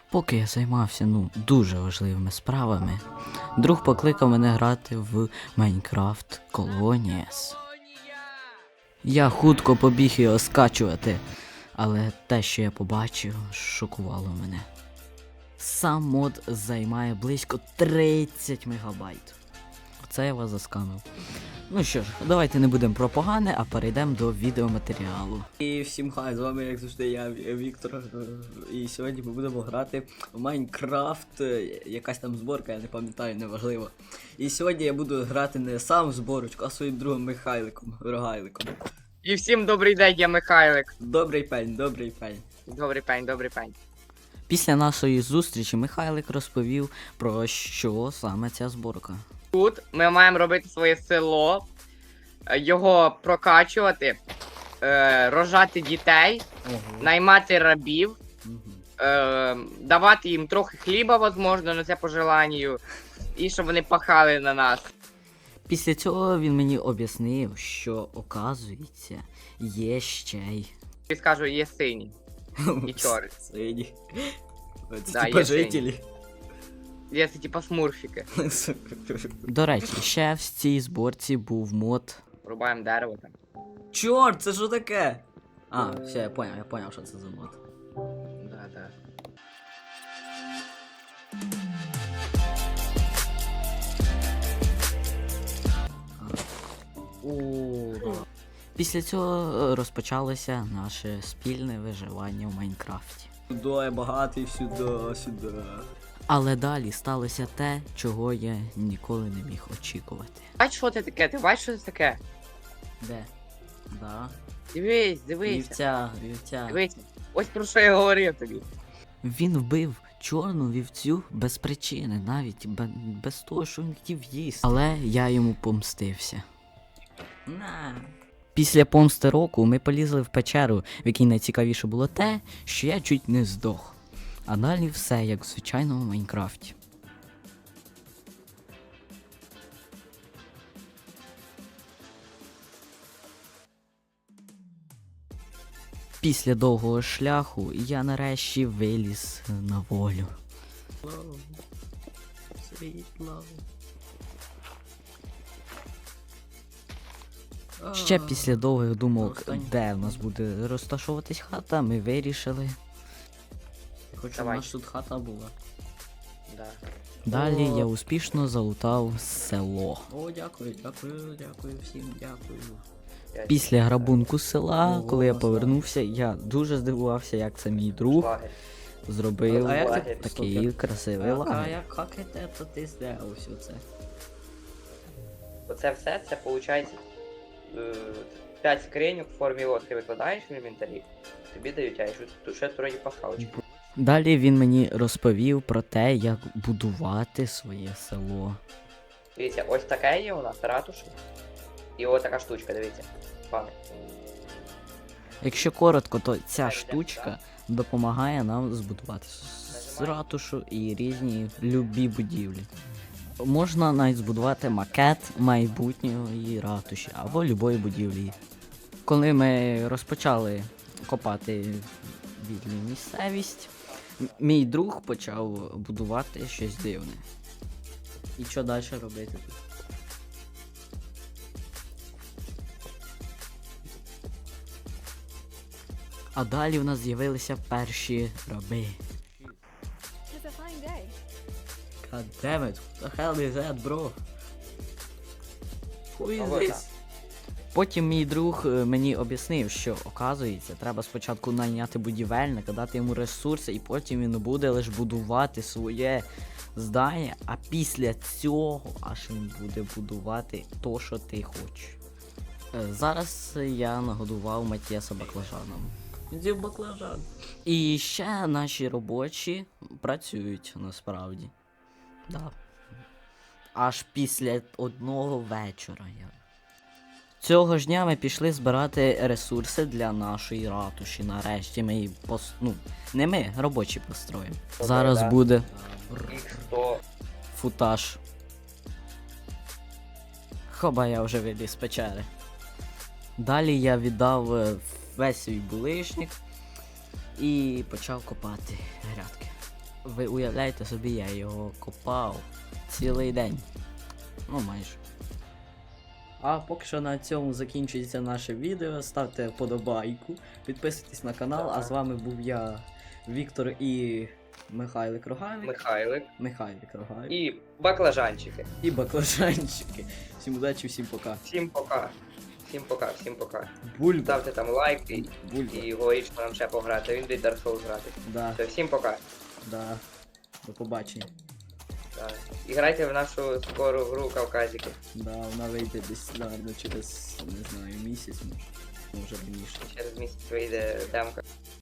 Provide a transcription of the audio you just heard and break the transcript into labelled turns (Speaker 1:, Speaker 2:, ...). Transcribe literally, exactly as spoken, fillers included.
Speaker 1: Поки я займався, ну, дуже важливими справами, друг покликав мене грати в Minecraft Colonies. Я хутко побіг його скачувати, але те, що я побачив, шокувало мене. Сам мод займає близько тридцять мегабайт. Оце я вас заскамив. Ну що ж, давайте не будемо про погане, а перейдемо до відеоматеріалу. І всім хай, з вами як завжди я, Віктор. І сьогодні ми будемо грати в Майнкрафт. Якась там зборка, я не пам'ятаю, неважливо. І сьогодні я буду грати не сам в зборочку, а своїм другом Михайликом, Рогайликом.
Speaker 2: І всім добрий день, я Михайлик.
Speaker 1: Добрий пень, добрий пень.
Speaker 2: Добрий пень, добрий пень.
Speaker 1: Після нашої зустрічі Михайлик розповів, про що саме ця зборка.
Speaker 2: Тут ми маємо робити своє село, е, його прокачувати, е, рожати дітей,
Speaker 1: Ого.
Speaker 2: наймати рабів,
Speaker 1: Угу.
Speaker 2: е, давати їм трохи хліба, можливо, на це по желанню, і щоб вони пахали на нас.
Speaker 1: Після цього він мені об'яснив, що, оказується, є ще й...
Speaker 2: І скажу, є сині і чорні.
Speaker 1: Сині. Це
Speaker 2: Да,
Speaker 1: типа
Speaker 2: є
Speaker 1: жителі.
Speaker 2: Є це типа смурфіки.
Speaker 1: До речі, ще в цій зборці був мод.
Speaker 2: Рубаємо дерево там.
Speaker 1: Чорт, це що таке? А, все, я поняв, я поняв, що це за мод.
Speaker 2: Да, да.
Speaker 1: О. Після цього розпочалося наше спільне виживання в Майнкрафті. Сюди я багатий, сюди, сюди. Але далі сталося те, чого я ніколи не міг очікувати.
Speaker 2: Бач, що це таке? Ти бачиш, що це таке?
Speaker 1: Де? Да.
Speaker 2: Дивись, дивись.
Speaker 1: Вівця, вівця.
Speaker 2: Дивись. Ось про що я говорив тобі.
Speaker 1: Він вбив чорну вівцю без причини, навіть бе- без того, що він хотів їсти. Але я йому помстився. На. Після помсти року ми полізли в печеру, в якій найцікавіше було те, що я чуть не здох. А далі все як в звичайному Майнкрафті. Після довгого шляху я нарешті виліз на волю. Світло. Ще після довгих думок, де в нас буде розташовуватись хата, ми вирішили. Я хочу, щоб у
Speaker 2: Давай.
Speaker 1: нас тут хата була.
Speaker 2: Да.
Speaker 1: Далі
Speaker 2: О.
Speaker 1: я успішно залутав село.
Speaker 3: О, дякую, дякую, дякую всім, дякую.
Speaker 1: Після грабунку села,
Speaker 3: Ого,
Speaker 1: коли я
Speaker 3: класно.
Speaker 1: повернувся, я дуже здивувався, як це мій друг
Speaker 2: Лагерь.
Speaker 1: зробив
Speaker 3: А як
Speaker 2: ти-
Speaker 1: такий
Speaker 3: стоп,
Speaker 1: красивий
Speaker 3: А, а
Speaker 1: лагерь.
Speaker 3: як як це то ти зробив все це?
Speaker 2: Оце все, це виходить п'ять скриньок в формі лодки викладаєш в інвентарі, тобі дають, а якщо тут ще трохи пасхалочку.
Speaker 1: Далі він мені розповів про те, як будувати своє село.
Speaker 2: Дивіться, ось таке є у нас ратуша. І ось така штучка, дивіться. Пане.
Speaker 1: Якщо коротко, то ця штучка допомагає нам збудувати с- ратушу і різні любі будівлі. Можна навіть збудувати макет майбутньої ратуші або любої будівлі. Коли ми розпочали копати вільну місцевість, м- мій друг почав будувати щось дивне. І що далі робити тут? А далі в нас з'явилися перші раби.
Speaker 4: It's a fine day.
Speaker 3: God damn it, what the hell is that, bro? Who is
Speaker 2: Ого,
Speaker 3: this?
Speaker 1: Потім мій друг е, мені об'яснив, що, оказується, треба спочатку найняти будівельника, дати йому ресурси, і потім він буде лише будувати своє здання, а після цього аж він буде будувати то, що ти хочеш. Е, Зараз я нагодував Матіаса баклажаном.
Speaker 3: Іди в баклажан.
Speaker 1: І ще наші робочі працюють насправді. Да. Аж після одного вечора. Я... Цього ж дня ми пішли збирати ресурси для нашої ратуші. Нарешті ми її пос... ну, не ми, робочі построїмо.
Speaker 2: Добре,
Speaker 1: Зараз
Speaker 2: да.
Speaker 1: буде
Speaker 2: Їх сто.
Speaker 1: футаж. Хоба, я вже виліз з печери. Далі я віддав е, весь свій булишник і почав копати грядки. Ви уявляєте собі, я його копав цілий день. Ну майже. А поки що на цьому закінчується наше відео. Ставте вподобайку, підписуйтесь на канал, а з вами був я, Віктор і Михайлик Рогавик.
Speaker 2: Михайлик.
Speaker 1: Михайлик Рогавик.
Speaker 2: І баклажанчики.
Speaker 1: І баклажанчики. Всім удачі, всім пока.
Speaker 2: Всім пока. Всім пока, всім пока.
Speaker 1: Бульба.
Speaker 2: Ставте там лайк і,
Speaker 1: Бульба.
Speaker 2: і говоріть, що нам ще пограти. Він буде Dark Souls грати.
Speaker 1: Да,
Speaker 2: Все, всім пока.
Speaker 1: да. До побачення.
Speaker 2: Так. І грайте в нашу скору гру Кавказики.
Speaker 1: Да, вона вийде десь, наверно, через, не знаю, місяць, може. Може раніше.
Speaker 2: Через місяць вийде демка.